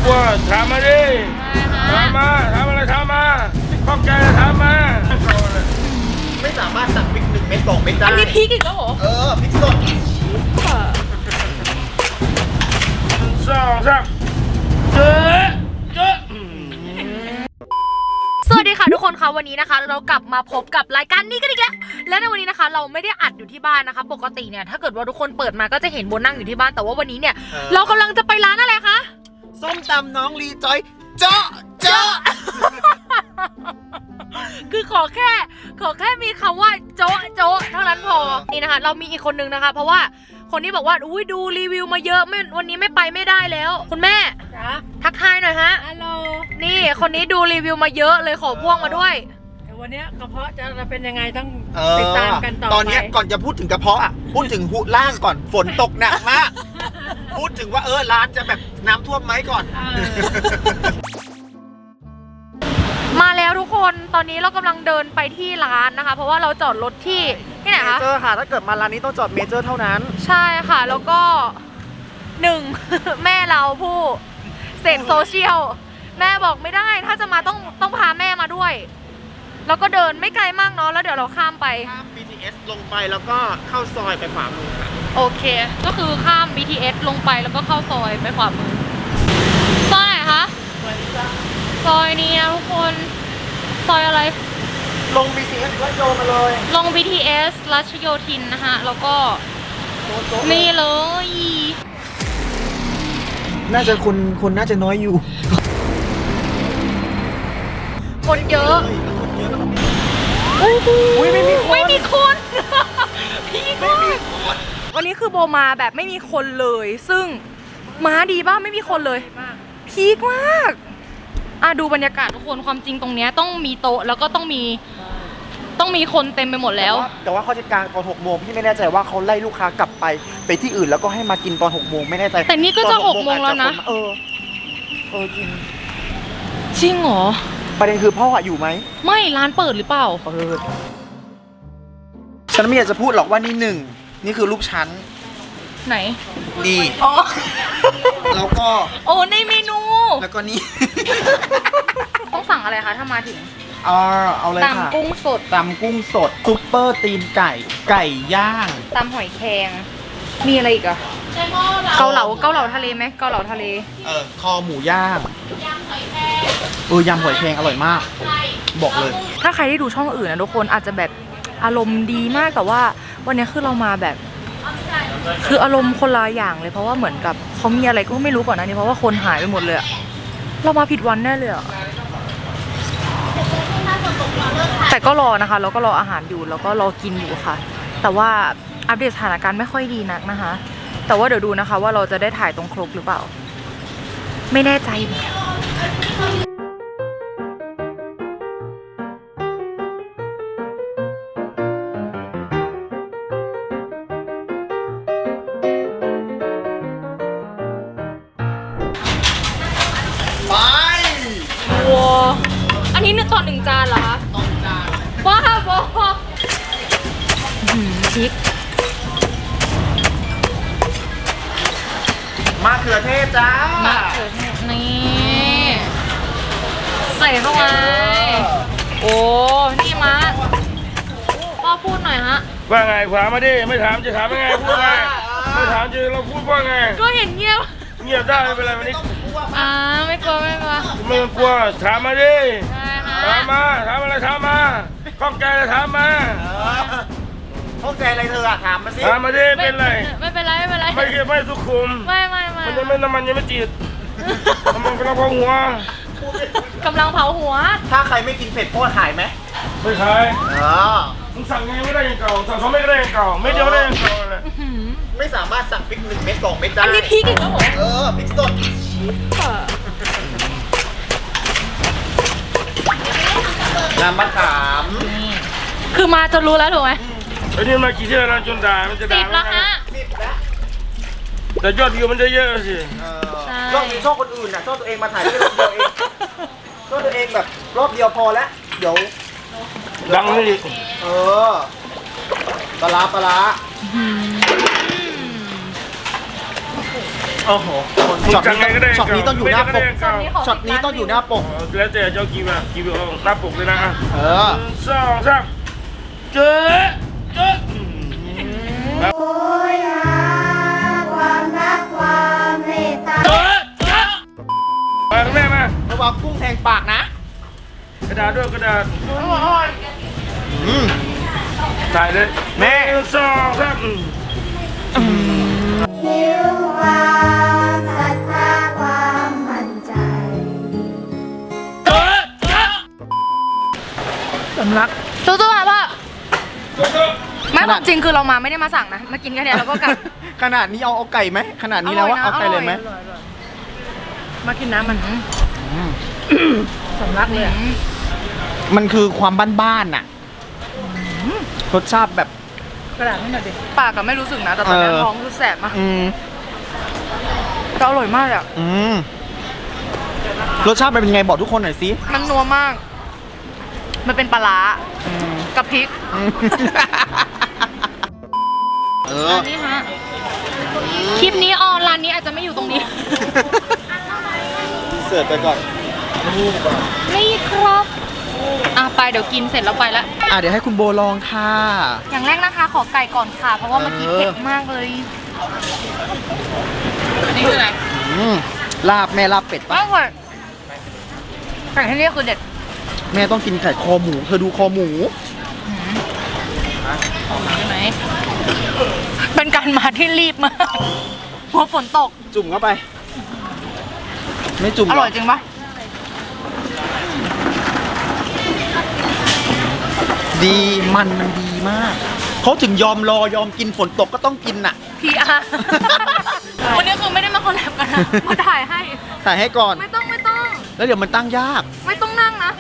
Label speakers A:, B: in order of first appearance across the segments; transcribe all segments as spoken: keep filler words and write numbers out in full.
A: กลัวถามมาดิถามมาถามอะไรถามมาข้องใจถามมา
B: ไม่สามารถสั่งพริกหนึ่งเม็ดสองเม็ดได้
C: อันนี้พริกอีกแล้วเหรอ
B: เออพริกสด
A: สองสามเจอเจอ
C: สวัสดีค่ะทุกคนคะวันนี้นะคะเรากลับมาพบกับรายการนี้กันอีกแล้วและในวันนี้นะคะเราไม่ได้อัดอยู่ที่บ้านนะคะปกติเนี่ยถ้าเกิดว่าทุกคนเปิดมาก็จะเห็นโบนั่งอยู่ที่บ้านแต่ว่าวันนี้เนี่ยเรากำลังจะไปร้านอะไรคะ
B: ส้มตำน้องลีจอยเจาะเจาะ
C: คือขอแค่ขอแค่มีคำว่าโจ๊ะโจ๊ะเท่านั้นพอนี่นะคะเรามีอีกคนนึงนะคะเพราะว่าคนที่บอกว่าอุ้ยดูรีวิวมาเยอะไม่วันนี้ไม่ไปไม่ได้แล้วคุณแม่ทักทายหน่อยฮะ
D: ฮัลโหล
C: นี่คนนี้ดูรีวิวมาเยอะเลยขอพ่วงมาด้วย
D: วันนี้กระเพาะจะเป็นยังไงต้องติดตามกันต่อไป
B: ตอนนี้ก่อนจะพูดถึงกระเพาะอ่ะพูดถึงหุล่างก่อนฝนตกหนักมากพูดถึงว่าเออร้านจะแบบน้ำท่วมไหมก่อน
C: มาแล้วทุกคนตอนนี้เรากำลังเดินไปที่ร้านนะคะเพราะว่าเราจอดรถที่ที่ไหนคะ
B: เมเจอร์ค่ะถ้าเกิดมาร้านนี้ต้องจอดเมเจอร์เท่านั้น
C: ใช่ค่ะแล้วก็หนึ่ง แม่เราผู้เสพโซเชียลแม่บอกไม่ได้ถ้าจะมาต้องต้องพาแม่มาด้วยแล้วก็เดินไม่ไกลมากเนาะแล้วเดี๋ยวเราข้ามไป
B: ข้าม บี ที เอส ลงไปแล้วก็เข้าซอยไปขวามือค่ะ
C: โอเคก็คือข้าม บี ที เอส ลงไปแล้วก็เข้าซอยไปขวามือซอยไหนคะซอยนี้นะทุกคนซอยอะไร
B: ลง บี ที เอส รัชโยมาเลย
C: ลง บี ที เอส รัชโยธินนะคะแล้วก็นี่เลย
B: น่าจะคนคนน่าจะน้อยอยู่
C: คนเยอะ
B: อุ้ยไม่มีคน
C: ไม่มีคนพี่ก็วันนี้คือโบมาแบบไม่มีคนเลยซึ่งม้าดีป่ะไม่มีคนเลยพีคมากอ่ะดูบรรยากาศทุกคนความจริงตรงเนี้ยต้องมีโต๊ะแล้วก็ต้องมีต้องมีคนเต็มไปหมดแล้ว
B: แต่ว่าเขาจะกางตอนหกโมงพี่ไม่แน่ใจว่าเขาไล่ลูกค้ากลับไปไปที่อื่นแล้วก็ให้มากินตอนหกโมงไม่แน่ใจ
C: แต่นี่ก็จะหกโมงแล้วนะ
B: เออเออจริง
C: จริงเหรอ
B: ประเด็นคือพ่ออยู่ไหม
C: ไม่ร้านเปิดหรือเปล่า
B: เปิดฉันไม่อยากจะพูดหรอกว่านี่หนึ่งนี่คือลูกชั้น
C: ไหน
B: นี่
C: อ๋อ
B: แล้วก็
C: โอ้ในเมนู
B: แล้วก็นี่
C: ต้องสั่งอะไรคะถ้ามาถึง
B: เอาเอาเลยค่ะ
C: ตำกุ้งสด
B: ตำกุ้งสดซุปเปอร์ตีนไก่ไก่ย่าง
C: ตำหอยแครงมีอะไรอีกอะเกาเหลาเกาเหลาทะเลไหมเกาเหลาทะเล
B: เออคอหมูย่างเออยำหอยแครงอร่อยมากบอกเลย
C: ถ้าใครได้ดูช่องอื่นนะทุกคนอาจจะแบบอารมณ์ดีมากแต่ว่าวันนี้คือเรามาแบบคืออารมณ์คนละอย่างเลยเพราะว่าเหมือนกับเขามีอะไรก็ไม่รู้ก่อนนะนี่เพราะว่าคนหายไปหมดเลยเรามาผิดวันแน่เลยอะแต่ก็รอนะคะเราก็รออาหารอยู่แล้วก็รอกินอยู่ค่ะแต่ว่าอัปเดตสถานการณ์ไม่ค่อยดีนักนะคะแต่ว่าเดี๋ยวดูนะคะว่าเราจะได้ถ่ายตรงครกหรือเปล่าไม่แน่ใจ
B: ไป
C: ว้าอันนี้เนี่ยต่อหนึ่งจานเหรอคะ
B: ต่อหนึ่งจาน
C: ว้าวว้าวพริก
B: มะเขือเทศจ้าม
C: ะเขือเทศนี่ใส่เข้าไปโอ้นี่มะพ่อพูดหน่อยฮะ
A: ว่าไงถามมาดิไม่ถามจะถามยังไงพูดไงไม่ถามจะเราพูดว่าไง
C: ก็เห็นเงียบ
A: เงียบได้ไม่เป็นไรวันนี้
C: อ่าไม่กลัวไม่กลัว
A: ไม่กลัวถามมาดิถามมาถามอะไรถามมาข้องใจอะไรถามมา
B: ข้องใจอะไรเธออะถามมาสิ
A: ถามมาดิเป็นไร
C: ไม่เป็นไรไม่เป็นไร
A: ไม่ไม่สุขุม
C: ไม่ไม่ไม่
A: มันยังไม่น้ำมันยังไม่จีดมันกำลังเผาหัว
C: กำลังเผาหัว
B: ถ้าใครไม่กินเผ็ดพ่อขายไหม
A: ไม่ขาย
B: เออ
A: มึงสั่งไงไม่ได้ยังเก่าสั่งสองเม็ดก็ได้ยังเก่าไม่เดียวได้ยังเก่าเลย
B: ไม่สามารถสั่งพริกหนึ่งเม็ดสองเม็ดได้
C: อันนี้พริกอีกแล้วเหรอ
B: เออพริกสดน้ำมะขาม
C: คือมาจนรู้แล้วถูกไหม
A: ไอ้นี่มากี่เที่ยวแล้วจนด่ามันจะด่า
C: สิบแล้วฮะ
B: สิบแล้ว
A: แต่ยอดวิวมันจะเยอะสิ
B: รอบนี้ช่องคนอื่นน่ะช่องตัวเองมาถ่ายแค่รอบเดียวเองช่องตัวเองแบบรอบเดียวพอแล้วเดี๋ยว
A: ดังนี่
B: เออปลาปลาโอ้โหช็อตนี้ต้องช็อตนี้ต้องอยู่หน้าปก
C: ตอนนี้ขอ
B: ช็อตนี้ต้องอยู่หน้าปก
A: แล้วแต่เจ้ากี่แบบกี่แบบหน้าปกเลยนะ
B: เออ
A: สองสามเจ๊เจ๊
E: โอยหาความรักความเมตตา
A: เจ๊เจ๊มาแม่มา
B: ระวังกุ้งแทงปากนะ
A: กระดาษด้วยกระดาษ
B: อืม
A: ถ่ายเลย
B: แม่
A: สองสาม
E: หิวความศรัทธาความมั่นใจ
A: เจ๊เจ๊
C: สำลักสู้ๆค่ะพ่อ
A: เจ๊เจ๊
C: ไม่ความจริงคือเรามาไม่ได้มาสั่งนะ มากินแค่เนี้ยเราก็กลับ
B: ขนาดนี้เอาเอาไก่ไหมขนาดนี้แล้วว่า
C: อร่
B: เอา
C: อยนะ
B: ไก่เลยไหม
C: อร่อย
D: มากินน้ำมัน
B: อืม
D: สำลักเลยอะ
B: มันคือความบ้านๆน่ะรสชาติแบบ
D: กระดาษให้หน่อยดิ
C: ปากก็ไม่รู้สึกนะ แต่ตอนนี้
B: เออ
C: ท้องรู้แสบมาก
B: อืม
C: แต่อร่อยมากเลยอะ
B: อืมรสชาติมันเป็นไงบอกทุกคนหน่อยสิ
C: มันนัวมาก มันเป็นปลาร้า
B: อืม
C: กับพริก
B: อืมเออ
C: อันนี้ฮะ คลิปนี้ออนร้านนี้อาจจะไม่อยู่ตรงนี้
B: เสิร์ฟไปก่อน
C: นี่ครับ อ่ะไปเดี๋ยวกินเสร็จแล้วไปละ
B: อ่ะเดี๋ยวให้คุณโบลองค่ะ
C: อย่างแรกนะคะ ขอไก่ก่อนค่ะ เพราะว่าเมื่อกี้
B: เออ
C: เผ็ดมากเลย อันนี้คืออะไร
B: อืมลาบแม่ลาบเป็ด
C: อ
B: ปะ
C: ร่อยไก่ที่นี่คือเด็ด
B: แม่ต้องกินไข่คอหมู เธอดูคอหมู
C: ใช่ไหม เป็นการมาที่รีบมากเพราะฝนตก
B: จุ่มเข้าไป ไม่จุ่ม
C: อ
B: ห
C: ร่อยจริงปะ
B: ดีมันมันดีมาก เขาถึงยอมรอยอมกินฝนตกก็ต้องกินน่ะ
C: พีอาร์ วันนี้คือไม่ได้มาคอลแลบกันนะมาถ่ายให้
B: ถ่ายให้ก่อน
C: ไม่ต้องไม่ต้อง
B: แล้วเดี๋ยวมันตั้งยาก
C: ไม่ต้องนั่งนะ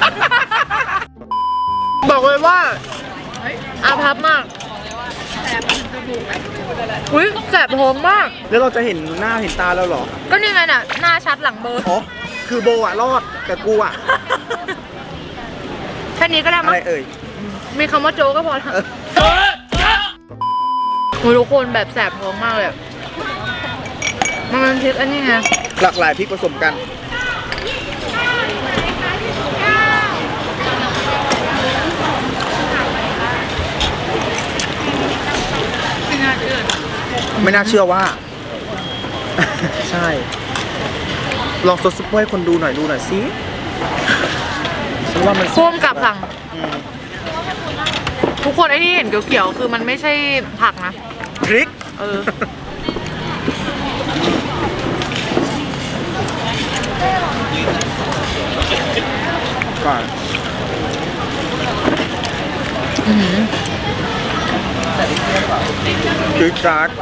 C: บอกเลยว่าอาภัพมากอุ้ยแสบท้องมาก
B: แล้วเราจะเห็นหน้าเห็นตาแล้วเหรอ
C: ก็นี่ไงน่ะ หน้าชัดหลังเบลอร์
B: อ๋อ คือโบอะรอด แต่กูอะ
C: แค่นี้ก็ได้
B: อะ
C: มั้
B: ไร
C: ง
B: เอ่ย
C: มีคำว่าโจก็พอแล้ว
B: เออ
A: เจ๊เจ๊
C: โอ้ยทุกคนแบบแสบท้องมากเลยอะมันเป็นพริกอันนี้ไง
B: หลากหลายพริกผสมกัน ไม่น่าเชื่อว่า ใช่ ลองซดซุปเปอร์ให้คนดูหน่อยดูหน่อยสิฉันว่ามัน
C: พ่วงกับสั่ง
B: อืม
C: ทุกคนไอ้ที่เห็นเขียวๆคือมันไม่ใช่ผักนะ
B: พริก
C: เออ
B: ก่อน
C: อื้อหือ
B: พริกจัด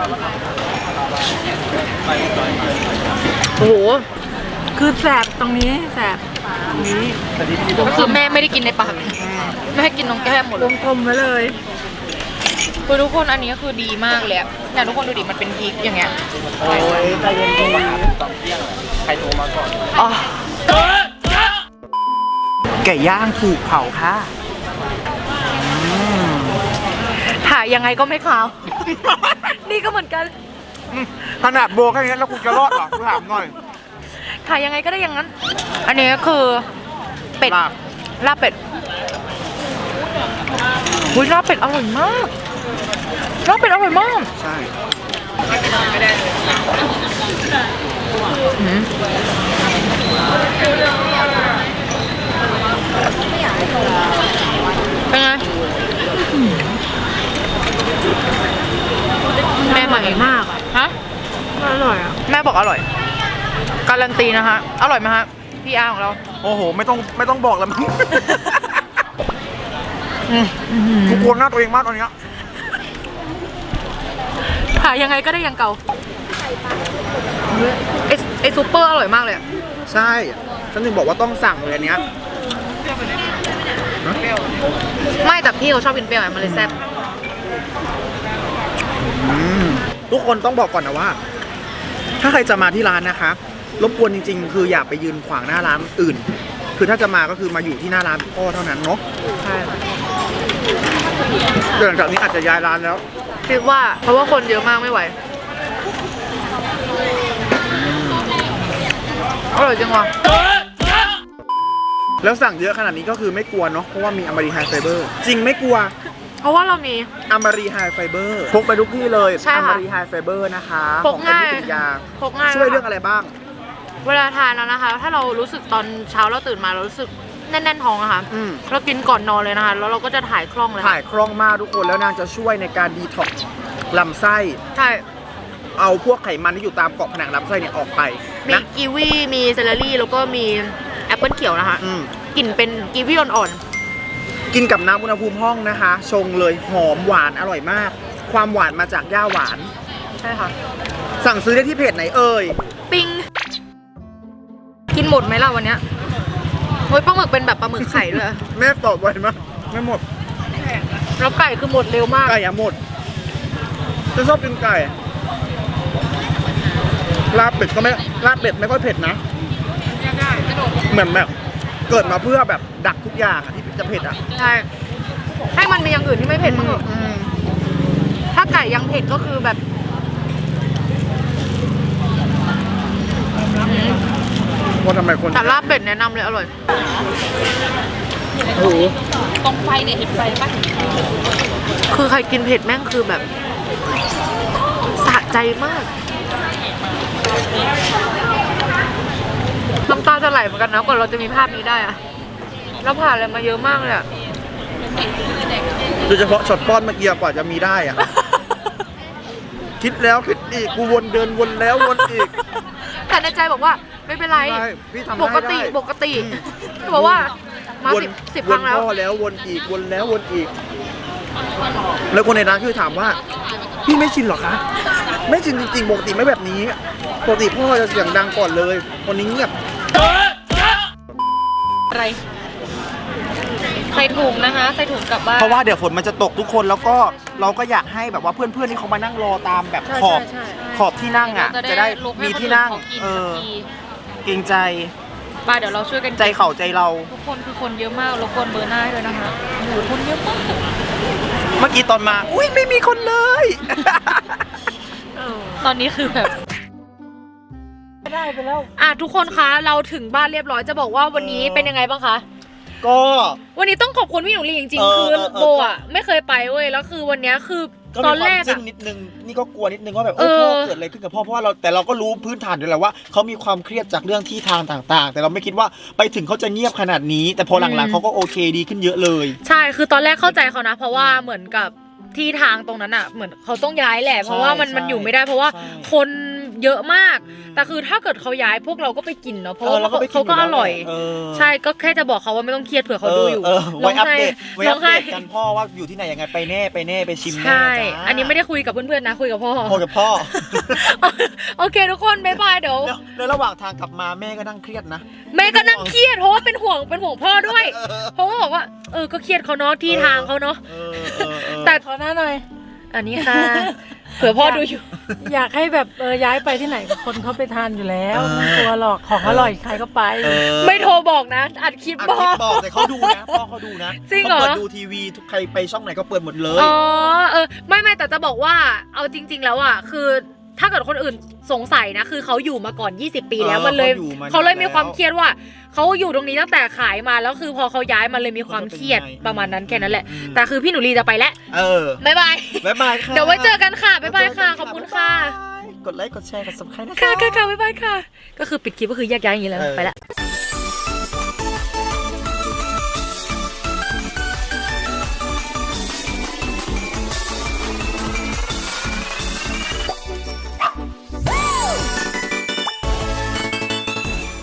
C: โอ้โห
D: คือแสบตรงนี้แสบตรงนี้
C: ก็คือแม่ไม่ได้กินในปากแม่กินตรงแก้มหมด
D: ว
C: เลย
D: งกลมไว้เลย
C: คือทุกคนอันนี้ก็คือดีมากเลยอะเนี่ยทุกคนดูดิมันเป็นพริกอย่างเงี้ย
B: โอ้ยใจเย็นๆใครโทรมาก่อน
C: อ๋อ
A: เจ๊เจ๊
B: ไก่ย่างถูกเผาค่ะ
C: ถ่ายยังไงก็ไม่ขาว นี่ก็เหมือนกัน
B: ขนาดโบแค่นี้แล้วกูจะรอดเหรอกูถามหน่อย
C: ถ่ายยังไงก็ได้อย่างนั้น อันนี้ก็คือเป็ด
B: ลาบ
C: ลาบเป็ดอุ้ยลาบเป็ดอร่อยมากลาบเป็ดอร่อยมาก
B: ใช่
C: อืมเป็นไงแม่ใหม่มากฮะ
D: อร่อยอ่ะ
C: แม่บอกอร่อย การันตีนะคะ อร่อยไหมฮะพีอาร์ของเรา
B: โอ้โห ไม่ต้องไม่ต้องบอกแล้วมั้งกูกลัวหน้าตัวเองมากตอนเนี้ย
C: หายังไงก็ได้อยังเก่าไอไอซูเปอร์อร่อยมากเลยอะ
B: ใช่ฉันถึงบอกว่าต้องสั่งเลยอันเนี้ย
C: ไม่แต่พี่เขาชอบกินเปรี้ยวไงมันเลยแซ่บ
B: อืมทุกคนต้องบอกก่อนนะว่า ถ้าใครจะมาที่ร้านนะคะ รบกวนจริงๆ คืออย่าไปยืนขวางหน้าร้านอื่น คือถ้าจะมาก็คือมาอยู่ที่หน้าร้านพ่อเท่านั้นเนาะ
C: ใช่
B: เดี๋ยวหลังจากนี้อาจจะย้ายร้านแล้ว
C: คิดว่าเพราะว่าคนเยอะมากไม่ไหวอร่อยจริงว่ะ
B: แล้วสั่งเยอะขนาดนี้ก็คือไม่กลัวเนาะเพราะว่ามีอมรีไฮไฟเบอร์จริงไม่กลัว
C: เพราะว่าเรามี
B: อมรีไฮไฟเบอร์พกไปทุกที่เลย
C: ใช่
B: อ
C: ค่ะ
B: มรีไฮไฟเบอร์นะคะ
C: พ
B: ข
C: ก
B: อง
C: ง่าย
B: เป็นวิทยา
C: พกง่าย
B: ช่วยเรื่องอะไรบ้าง
C: เวลาทานแล้วนะคะ ถ้าเรารู้สึกตอนเช้าเราตื่นมาเรารู้สึกแน่นๆท้องอะค่ะ
B: อืม
C: เรากินก่อนนอนเลยนะคะ แล้วเราก็จะถ่ายคล่องเลย
B: ถ่ายคล่องมากทุกคนแล้วนางจะช่วยในการดีท็อกซ์ลำไส้
C: ใช่
B: เอาพวกไขมันที่อยู่ตามเกาะผนังลำไส้เนี่ยออกไป
C: มี
B: นะ
C: กีวีมีเซเลอรี่แล้วก็มีแอปเปิลเขียวนะคะ
B: อืม
C: กลิ่นเป็นกีวีอ่อน
B: กินกับน้ำอุณหภูมิห้องนะคะ ชงเลยหอมหวานอร่อยมาก ความหวานมาจากย่าหวาน
C: ๆใช่ค่ะ
B: สั่งซื้อได้ที่เพจไหนเอ่ย
C: ปิง กินหมดไหมล่ะวันเนี้ยโอ้ยปลาหมึกเป็นแบบปลาหมึกไข่ด้วย
B: แม่ตอบไวมากไม่หมด
C: แล้วไก่คือหมดเร็วมาก
B: ไก่อะหมดจะชอบกินไก่ลาบเป็ดก็ไม่ลาบเป็ดไม่ค่อยเผ็ดนะเหมือนแบบเกิดมาเพื่อแบบดักทุกอย่างอะที่จะเผ็ดอ่ะ
C: ใช่ ให้มันมีอย่างอื่นที่ไม่เผ็ดมั้างเถอะ
B: อืม
C: ถ้าไก่ยังเผ็ดก็คือแบบอืม
B: ว่าทำไมคน
C: แต่ลาบเป็ดแนะนำเลยอร่อย
B: โอ้โห
D: ตรงไฟเนี่ยเห็นไฟปะ
C: คือใครกินเผ็ดแม่งคือแบบสะใจมาก น้ำตาจะไหลเหมือนกันนะก่อนเราจะมีภาพนี้ได้อะเราผ่านอะไรมาเยอะมากเลยอะ
B: โดยเฉพาะช็อตป้อนเมื่อกี้กว่าจะมีได้อ่ะ คิดแล้วคิดอีกกูวนเดินวนแล้ววนอีก
C: แต่ในใจบอกว่าไม่เป็นไร
B: ได้พี่ทำ
C: ปก
B: ได้
C: ติ
B: ได้
C: ปกติบอกว่ามา
B: วน
C: สิบสิบ
B: ว
C: ครั้
B: น
C: งแล้ว
B: พ่อแล้ววนอีกวนแล้ววนอีก แล้วคนในร้านคือถามว่า พี่ไม่ชินเหรอคะ ไม่ชินจริงๆปกติไม่แบบนี้ปกติพ่อจะเสียงดังก่อนเลยวันนี้เงียบ
C: อะไรใส่ถุงนะคะใส่ถุงกลับบ้าน
B: เพราะว่าเดี๋ยวฝนมันจะตกทุกคนแล้วก็เราก็อยากให้แบบว่าเพื่อนๆที่เขามานั่งรอตามแบบ
C: ใช่
B: ขอบ
C: ใช่ใช่
B: ขอบที่นั่งอ่ะ จะได้มีที่นั่ง เออเกรงใจ
C: ป้าเดี๋ยวเราช่วยกัน
B: ใจเข่าใจเรา
C: ทุกคนคือคนเยอะมากรบกวนเบอร์หน้าให้เลยนะคะโอ้โหคนเยอะมาก
B: เมื่อกี้ตอนมา อุ้ยไม่มีคนเลย
C: ตอนนี้คือแบบ
D: ได้ไปแล้ว
C: อ่ะทุกคนคะเราถึงบ้านเรียบร้อยจะบอกว่าวันนี้เป็นยังไงบ้างคะ
B: ก็
C: วันนี้ต้องขอบคุณพี่หนูลีจริง
B: เอ
C: ๆ
B: อ
C: คือ
B: เออเออ
C: โบอ่ะไม่เคยไปเว้ยแล้วคือวันเนี้ยคือ
B: ก็
C: ต
B: มี
C: อน
B: ควา
C: แร
B: ม
C: ก
B: จึ้
C: อ่ะ
B: งนิดนึงนี่ก็กลัวนิดนึงว่าแบบเออ
C: เออ
B: พ่อเกิดอะไรขึ้นกับพ่อเพราะว่าเราแต่เราก็รู้พื้นฐานอยู่แล้วว่าเขามีความเครียดจากเรื่องที่ทางต่างๆ แต่เราไม่คิดว่าไปถึงเขาจะเงียบขนาดนี้ แต่พอหลังๆเขาก็โอเคดีขึ้นเยอะเลย
C: ใช่คือตอนแรกเข้าใจเขานะ เพราะว่าเหมือนกับที่ทางตรงนั้นอ่ะเหมือนเขาต้องย้ายแหละ เพราะว่ามัน
B: ใช่
C: มันอยู่ไม่ได้เพราะว่า
B: ใช่
C: คนเยอะมาก
B: อืม
C: แต่คือถ้าเกิดเขาย้ายพวกเราก็ไปกินเนาะเพราะ
B: เออ
C: ว่า
B: เราก็ไปกิน
C: เขาก็อร่อย
B: เออ
C: ใช่ก็แค่จะบอกเขาว่าไม่ต้องเครียดเผื่อเขาดูอยู่
B: เออไว้อัปเดตไว้
C: ร้
B: อั
C: อง
B: ป
C: ไห้
B: เดตกันพ่อว่าอยู่ที่ไหนยังไงไปแน่ไปแน่ไปชิมแน่
C: ใช่
B: จ้า
C: อันนี้ไม่ได้คุยกับเพื่อนๆนะคุยกับพ่อ
B: พ่อกับพ่อ
C: โอเคทุกคนบ๊ายบายเดี๋ยว
B: แล้วแล้วระหว่างทางกลับมาแม่ก็นั่งเครียดนะ
C: แม่ก็นั่งเครียดเพราะว่าเป็นห่วงเป็นห่วงพ่อด้วย
B: เออ
C: เพราะว่าบอกว่าเออก็เครียดเขาเนาะที่ทางเขาเนาะ
B: เออเออเออ
C: แต่
D: ขอหน้าหน่อย
C: อันนี้ค่ะ เผื่อพ่อดูอยู่
D: อยากให้แบบเออย้ายไปที่ไหนคนเขาไปทานอยู่แล้วไม่กลัวหรอกของอร่อยใครก็ไป
B: เออ
C: ไม่โทรบอกนะ อัดคลิป
B: อัด
C: บอ
B: คลิป
C: ก
B: บอกแต่เขาดูนะพ่อเขาดูนะ
C: จริงเหรอ
B: ขาเปิดดูทีวีทุกใครไปช่องไหนก็เปิดหมดเลย
C: อ๋อเออไม่ไม่แต่จะบอกว่าเอาจริง ๆ แล้วอ่ะคือถ้าเกิดคนอื่นสงสัยนะคือเขาอยู่มาก่อนยี่สิบปีแล้ว
B: เออ
C: มันเลย
B: เขาอยู่มานาน
C: เขาเลยมีความ
B: แล้ว
C: เครียดว่าเขาอยู่ตรงนี้ตั้งแต่ขายมาแล้วคือพอเขาย้ายมันเลยมีความเครียด
B: เขาจะเป็นไง
C: ประมาณนั้นแค่นั้นแหละ
B: อืม
C: แต่คือพี่หนูลีจะไปแล้ว
B: เออ
C: บ๊ายบาย
B: บ๊ายบายค่ะ
C: เดี๋ยวไว้เจอกันค่ะบ๊ายบายค่ะขอบคุณค่ะ
B: บ๊ายบายกดไลค์กดแชร์กด ซับสไครบ์นะ
C: ค่ะค่ะค่ะบ๊ายบายค่ะ ก็คือปิดคลิปก็คือแยกย้ายอย่างนี้แล้ว
B: เออ
C: ไปละ